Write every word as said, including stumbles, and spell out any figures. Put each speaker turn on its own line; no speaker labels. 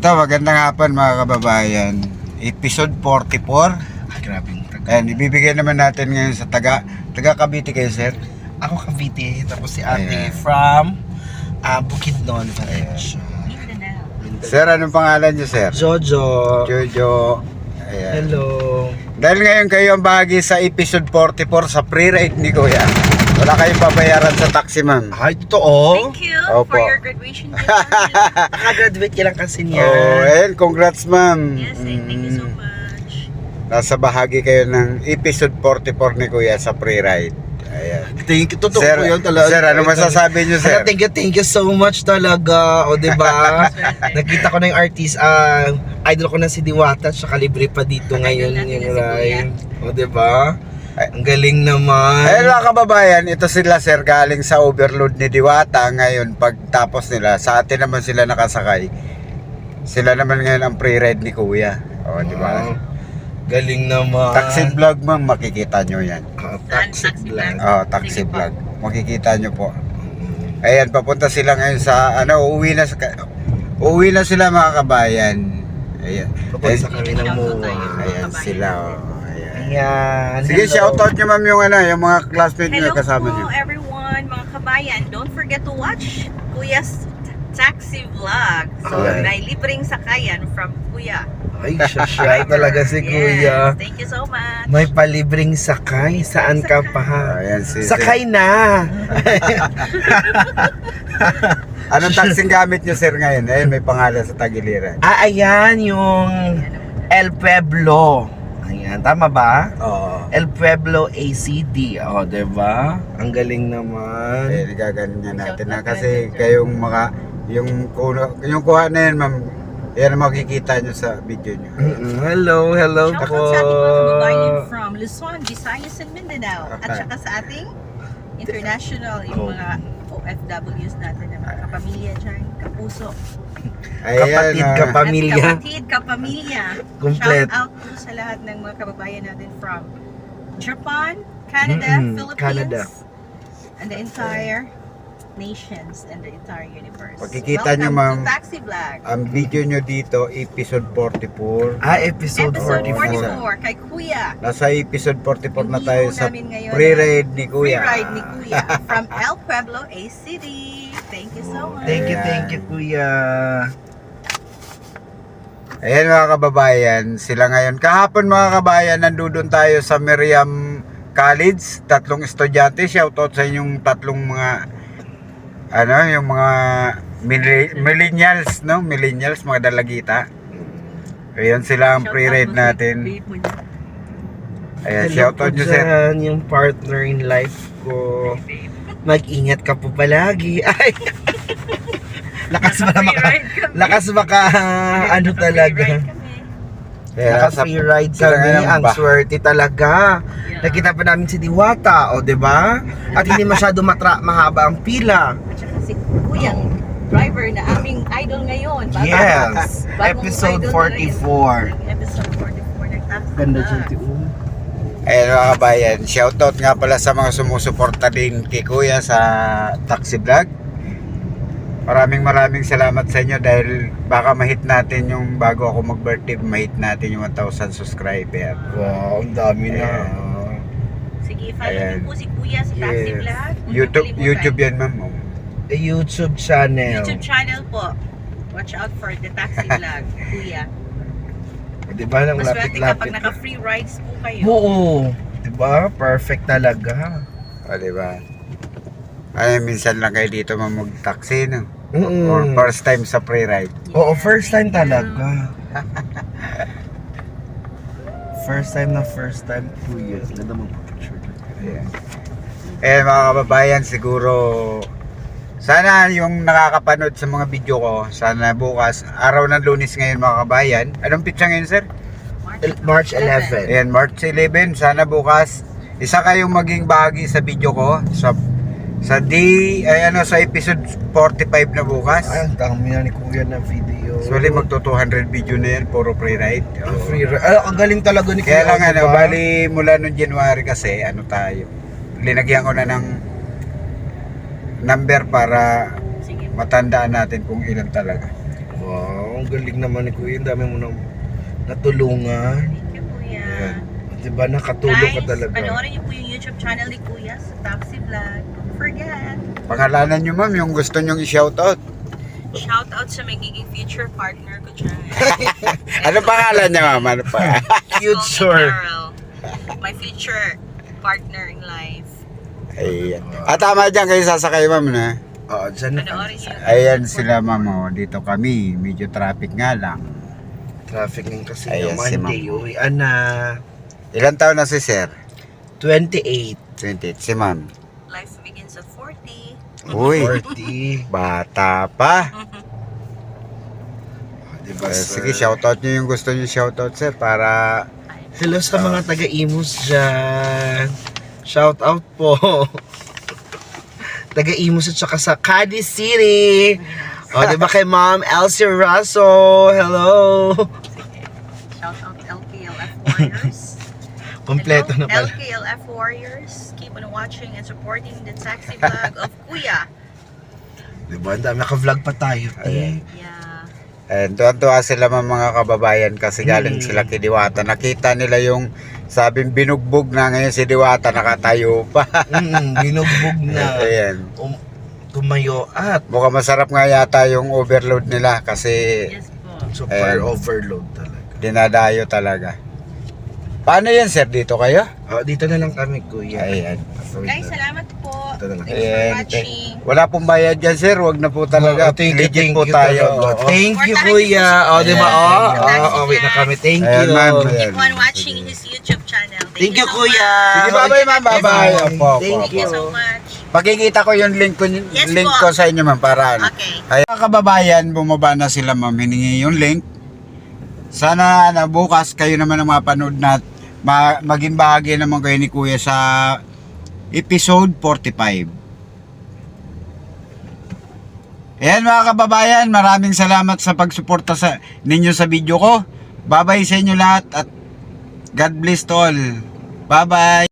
Ito, magandang hapon mga kababayan. Episode forty-four.
Ah, grabe yung taga.
Ayan, ibibigay naman natin ngayon sa taga, taga Cavite kayo, sir.
Ako Cavite, tapos si ate
Ayan.
from uh, Bukidnon, Valencia.
Sir, anong pangalan niyo, sir?
Jojo.
Jojo. Ayan.
Hello.
Dahil ngayon kayo ang bahagi sa episode forty-four sa pre-ride ni Kuya. Wala kayong babayaran sa taxi, ma'am.
Ay, totoo?
Thank you
Opo.
for your graduation gift. ma'am.
Nakagraduate ka lang kasi niya.
Oh, ayan, congrats, ma'am.
Yes, eh, thank you so
Mm,
much.
Nasa bahagi kayo ng episode forty-four ni Kuya sa pre-ride. Ayan.
Thank you. Totoo
Sir,
po yun talaga.
sir, ano masasabi niyo, sir?
Ano, thank you, thank you so much talaga. O, diba? Nakita ko na yung artist, ah, idol ko na si Diwata, tsaka libre pa dito ngayon
natin
yung
na si
ride. O, diba? Ang galing naman.
Ayun mga kababayan, ito sila sir galing sa overload ni Diwata. Ngayon pagtapos nila, sa atin naman sila nakasakay. Sila naman ngayon ang pre-ride ni Kuya. O, di ba?
Wow. Galing naman.
Taxi vlog, ma'am, makikita nyo yan.
Ah,
Saan?
taxi
Taxi
vlog.
vlog?
Oh, taxi
Sige po.
vlog. Makikita nyo po.
Mm.
Ayan, papunta sila ngayon sa, ano, uuwi na, sa, uuwi na sila mga kabayan. Ayan.
Papunta
Ayan,
kami ng
Shoutout
MOA.
tayo.
ayan sila. Oh. Ayan.
Ayan.
Sige,
hello.
shoutout nyo ma'am yung, ano, yung mga classmates nyo
Hello
kasama
po
nyo.
everyone, mga kabayan. Don't forget to watch Kuya's taxi vlog. So,
Okay.
may libreng sakayan from Kuya.
Ay, siya siya talaga si Kuya.
Yes, thank you so much.
May palibreng sakay. Saan ka pa?
Ayan, si,
Sakay na.
Anong taxing gamit nyo sir ngayon? Ayun, may pangalan sa tagiliran.
Ah, ayan yung El Pueblo. Ayan, tama ba?
Oo.
El Pueblo A C D. O, oh, diba? Ang galing naman.
Eh, nagaganyan natin na kasi kayong mga, yung, kuno, yung kuha na yan ma'am, yan ang makikita nyo sa video nyo.
Mm-mm. Hello, hello
Shoutout
po.
sa ating mga kababayan from Luzon, Visayas, and Mindanao. At saka sa ating international, yung mga O F Ws natin na mga kapamilya dyan, kapuso.
Kapatid,
ah,
kapamilya.
At kapatid, kapamilya.
Komplet.
Shout out po sa lahat ng mga kababayan natin from Japan, Canada,
Mm-mm,
Philippines,
Canada.
and the entire nations and the entire universe.
Pagkikita nyo,
Welcome
ma'am.
to Taxi Vlog.
ang video nyo dito, episode forty-four.
Ah, episode,
Episode
forty-four.
forty-four kay Kuya.
Nasa episode forty-four na
Yung
tayo
hero
sa
namin ngayon
pre-ride ni Kuya.
Free ride ni Kuya from El Pueblo, A C D. Thank you so much.
Thank you,
Ayan.
thank you, Kuya.
Ayan mga kababayan, sila ngayon. Kahapon mga kababayan, nandun tayo sa Miriam College. Tatlong estudyante, shoutout sa inyong tatlong mga, ano, yung mga milli- millennials, no? Millennials, mga dalagita. Ayan sila ang
Shout
pre-ride
out mo si
natin.
babe mo niya.
Ayan,
Hello
shoutout
po
nyo sir.
dyan, yung partner in life ko. Mag-ingat ka po palagi. Ay, lakas ba maka,
Free ride kami.
lakas baka, ano
Free
talaga.
ride kami.
Kaya
Naka
sa-
free ride
sila
kami,
ngayon
ang
ba?
swerte talaga.
Yeah.
Nakita pa namin si Diwata, o, 'di ba? At hindi masyado matra mahaba ang pila.
At saka si Kuyang driver na aming idol ngayon. Bagong-
Yes.
bagong
Episode
idol na
forty-four.
rin. Episode forty-four ng Taxi
Ganda
Vlog.
dyan, Tiyo.
Ayan mga kabayan, shoutout nga pala sa mga sumusuporta din kay Kuya sa Taxi Vlog. Maraming maraming salamat sa inyo dahil baka ma-hit natin yung bago ako mag-birthday, ma-hit natin yung one thousand subscriber.
Wow, ang dami na.
Sige, follow
Ayan.
niyo po si Kuya sa Taxi
Yes.
Vlog. Huwag niyo
YouTube,
kalimutan.
YouTube yan ma'am. Oh.
A YouTube channel.
YouTube channel po. Watch out for the Taxi Vlog, Kuya.
Di ba? Nang
Maswerte kapag
lapit-lapit.
naka-free rides po kayo.
Oo. Di ba? Perfect talaga.
O, diba? Ay, minsan lang kayo dito ma'am mag-taxi, no?
Mm.
Or first time sa pre-ride.
Oo, first time talaga. First time na first time, two years. Ganda mag-picture.
Ayan. Eh mga kababayan, siguro sana yung nakakapanood sa mga video ko, sana bukas, araw ng Lunes ngayon mga kababayan. Anong pitsa ngayon sir?
March eleventh.
Ayan, March eleven. Sana bukas, isa kayong maging bahagi sa video ko sa sa D, ay ano, sa episode forty-five na bukas.
Ay, ang dami na ni Kuya na video.
Actually, magto two hundred video na yan, puro pre-ride.
Ah, free ride. Ay, ang galing talaga ni Kuya.
Kaya lang ano,
diba?
bali mula noong January kasi, ano tayo, linagyan ko na ng number para
Sige.
matandaan natin kung ilan talaga.
Wow, galing naman ni Kuya. Ang dami mo nang natulungan.
Thank you, Kuya.
Ayan. Diba, nakatulong ka
Guys,
talaga.
panoorin niyo po yung YouTube channel ni Kuya sa Taxi Vlog. Don't forget.
Pangalanan nyo ma'am, yung gusto nyong i-shoutout.
Shout out sa magiging future partner ko dyan.
Ano pangalan niya ma'am? Ano pa?
Future.
Carol. My future partner in life.
Ayan. At tama dyan kayo sasakay ma'am na.
Oo, dyan na.
Panoorin niyo.
Ayan sila ma'am. Oh. Dito kami. Medyo traffic nga lang.
Traffic ng kasi
Ayan,
yung
si
Monday. Uwian na.
Ilan taon na si sir?
twenty-eight.
twenty-eight. Si ma'am.
Life begins at forty.
Uy,
forty.
bata pa.
Diba,
Eh,
sir?
sige, shoutout nyo yung gusto nyo shoutout sir para
Hello sa mga taga-Imus dyan. Shout out po. Taga-Imus at saka sa Cadiz City. O, diba kay Ma'am Elsie Raso? Hello.
Shout out L K L F Warriors.
Kompleto na
Hello,
pala.
L K L F Warriors. Keep on watching and supporting the taxi vlog of Kuya.
Diba, ang dami naka-vlog pa tayo. Eh.
Yeah.
And tuwan-tuwa sila mga kababayan kasi galing
Mm.
sila kay Diwata. Nakita nila yung sabing binugbog na ngayon si Diwata nakatayo pa.
Mm, binugbog na.
Ayan.
Um, tumayo at
Mukhang masarap nga yata yung overload nila kasi
Yes po.
super
Ayan.
overload talaga.
dinadayo talaga. Paano yan sir? Dito kayo?
Oh, dito na lang kami, Kuya.
Ayan.
Guys, salamat po.
Ito na lang.
Thanks for
Ayan.
watching.
Wala pong bayad dyan sir. Wag na po talaga.
Oh, thank you,
Legit
thank
po
you
tayo.
talaga.
Oo.
Thank you,
Supportahan
Kuya.
niyo
O, di ba?
Ayan.
Oh,
Ayan.
oh, oh, wait na kami. Thank
Ayan,
you.
ma'am.
Keep on watching his YouTube channel. Thank,
Thank you,
so
Kuya.
much.
Sige, bye-bye ma'am. Bye-bye. Opo, opo,
Thank
Thank you
opo.
so much.
Pakikita ko yung link ko,
Yes
link
po.
ko sa inyo ma'am para ano.
Okay.
Ay, mga kababayan, bumaba na sila ma'am, hiningi yung link. Sana ano, bukas kayo naman ang mapanood na ma- maging bahagi naman kayo ni Kuya sa episode forty-five. Ayan mga kababayan, maraming salamat sa pagsuporta sa ninyo sa video ko. Bye-bye sa inyo lahat at God bless to all. Bye-bye.